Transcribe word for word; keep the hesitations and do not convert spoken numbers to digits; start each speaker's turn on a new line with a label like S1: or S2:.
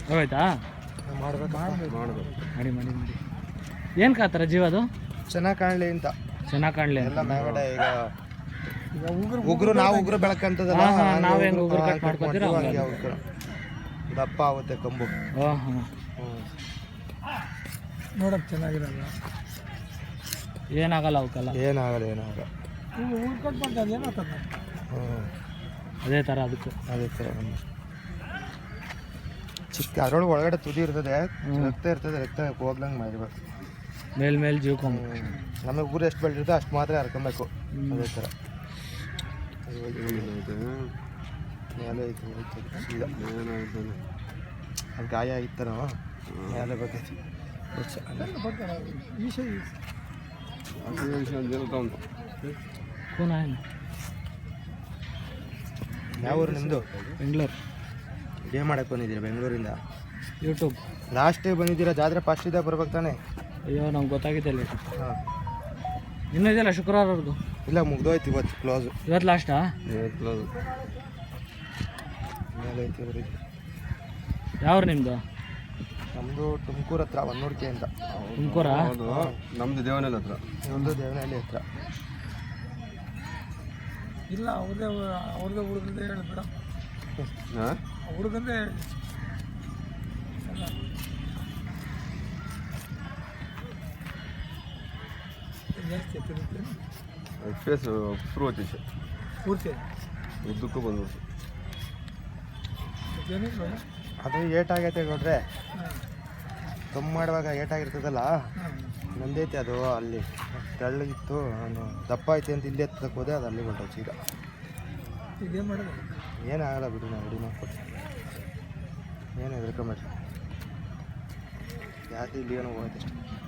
S1: ಹೋಯ್ತಾ
S2: ಮಾಡ್ಬೇಕು
S3: ಮಾಡೋದು
S1: ಮಾಡಿ ಮಾಡಿ ಮಾಡಿ ಏನು ಕಾತರ ಜೀವ ಅದು
S2: ಚೆನ್ನಾಗಿ ಕಾಣಲಿ ಅಂತ
S1: ಚೆನ್ನಾಗಿ ಕಾಣಲಿ
S2: ಎಲ್ಲ ಮೇಗಡೆ ಈಗ ಉಗುರು ನಾವು ಉಗುರು ಬೆಳಕಂತದಲ್ಲ
S1: ಹಾಂ ಹಾಂ ನಾವು ಹೆಂಗೆ ಉಗುರು ಕಟ್ ಮಾಡ್ಕೊತೀರ
S2: ಹಂಗೆ ಅವ್ರು ದಪ್ಪ ಆಗುತ್ತೆ ಕಂಬು.
S1: ಹಾಂ ಹಾಂ
S4: ನೋಡಕ್ಕೆ ಚೆನ್ನಾಗಿರಲ್ಲ,
S1: ಏನಾಗಲ್ಲ ಅವಕ್ಕೆಲ್ಲ,
S2: ಏನಾಗಲ್ಲ ಏನಾಗಲ್ಲ.
S4: ಈಗ ಉಗುರು ಕಟ್ ಮಾಡ್ತಾರೆ ಏನಾಗ್ತದೆ.
S2: ಹ್ಞೂ
S1: ಅದೇ ಥರ ಅದಕ್ಕೂ
S2: ಅದೇ ಥರ ಚಿಕ್ಕ ಅದರೊಳಗೆ ಒಳಗಡೆ ತುದಿ ಇರ್ತದೆ, ರಕ್ತ ಇರ್ತದೆ, ರಕ್ತ ಹೋಗ್ಲಂಗೆ ಮಾಡಿರ್ಬೇಕು.
S1: ಮೇಲ್ ಮೇಲೆ ಜೀವಕೊಂಬ
S2: ನಮಗೆ ಊರು ಎಷ್ಟು ಬೆಳೆದಿರುತ್ತೆ ಅಷ್ಟು ಮಾತ್ರ ಹರ್ಕೊಬೇಕು. ಅದೇ ಥರ ಮೇಲೆ ಐತೆ ಈಗ ಅದು ಗಾಯ ಆಗಿತ್ತು ನಾವು ಮೇಲೆ ಬೇಕೈತಿ
S1: ಕೂನ ಏನು
S2: ಯಾವ ಊರು ನಿಮ್ಮದು?
S1: ಬೆಂಗಳೂರು.
S2: ಏನು ಮಾಡಕ್ಕೆ ಬಂದಿದ್ದೀರಾ ಬೆಂಗಳೂರಿಂದ?
S1: ಯೂಟ್ಯೂಬ್
S2: ಲಾಸ್ಟ್ ಬಂದಿದ್ದೀರಾ, ಜಾತ್ರೆ ಫಸ್ಟ್ ಇದ್ದಾಗ ಬರ್ಬೇಕು ತಾನೆ?
S1: ಅಯ್ಯೋ ನಮ್ಗೆ ಗೊತ್ತಾಗಿದ್ದಿಲ್ಲ.
S2: ಹಾಂ
S1: ಇನ್ನೂ ಇದೆಯಲ್ಲ ಶುಕ್ರವಾರವರೆಗೂ?
S2: ಇಲ್ಲ ಮುಗ್ದೋಯ್ತು ಇವತ್ತು ಕ್ಲೋಸು.
S1: ಇವತ್ತು ಲಾಸ್ಟಾ?
S2: ಕ್ಲೋಸು ಮೇಲೆ ಐತಿ ಅವ್ರಿಗೆ.
S1: ಯಾವ್ರು ನಿಮ್ಮದು?
S2: ನಮ್ಮದು ತುಮಕೂರು ಹತ್ರ ಹೊನ್ನೂರ್ಕೆ ಅಂತ.
S1: ತುಮಕೂರಾ?
S3: ಹೌದು, ನಮ್ಮದು ದೇವನಹಳ್ಳಿ ಹತ್ರ.
S2: ನಮ್ಮದು ದೇವನಹಳ್ಳಿ ಹತ್ರ.
S4: ಇಲ್ಲ ಅವ್ರದೇ ಅವ್ರದೇ ಹುಡುಗಂದೇ ಹೇಳಿಬಿಡ,
S3: ಹಾಂ
S4: ಹುಡುಗಂದೇ ಹೇಳಿ. ಜಾಸ್ತಿ ತಿರುತ್ತೆ
S3: ಫೇಸ್ ಶುರು ಹೋಯ್ತು
S4: ಪೂರ್ತಿ
S3: ಉದ್ದಕ್ಕೂ ಬಂದ್ಬಿಡ್ತು.
S4: ಏನಿಲ್ಲ.
S2: ಅದು ಏಟಾಗೈತೆ ನೋಡ್ರೆ, ಕಮ್ಮಿ ಮಾಡುವಾಗ ಏಟಾಗಿರ್ತದಲ್ಲ, ನಂದೈತೆ ಅದು ಅಲ್ಲಿ ತೆಳ್ಳಗಿತ್ತು. ನಾನು ದಪ್ಪ ಐತೆ ಅಂತ ಇಲ್ಲಿ ಎತ್ತಕ್ಕೆ ಹೋದೆ, ಅದು ಅಲ್ಲಿ ಹೊರಟೋಚು. ಈಗ
S4: ಇದೇನು ಮಾಡೋದು?
S2: ಏನಾಗಲ್ಲ ಬಿಡಿ, ನಾವು ರೆಡಿ ಮಾಡ್ಕೊಡ್ತೀವಿ, ಏನು ಹೆದರ್ಕೊಂಬೇಡ್ರಿ. ಯಾಕೆ ಇಲ್ಲಿ ಏನೋ ಹೋಗುತ್ತೆ ಅಷ್ಟೇ.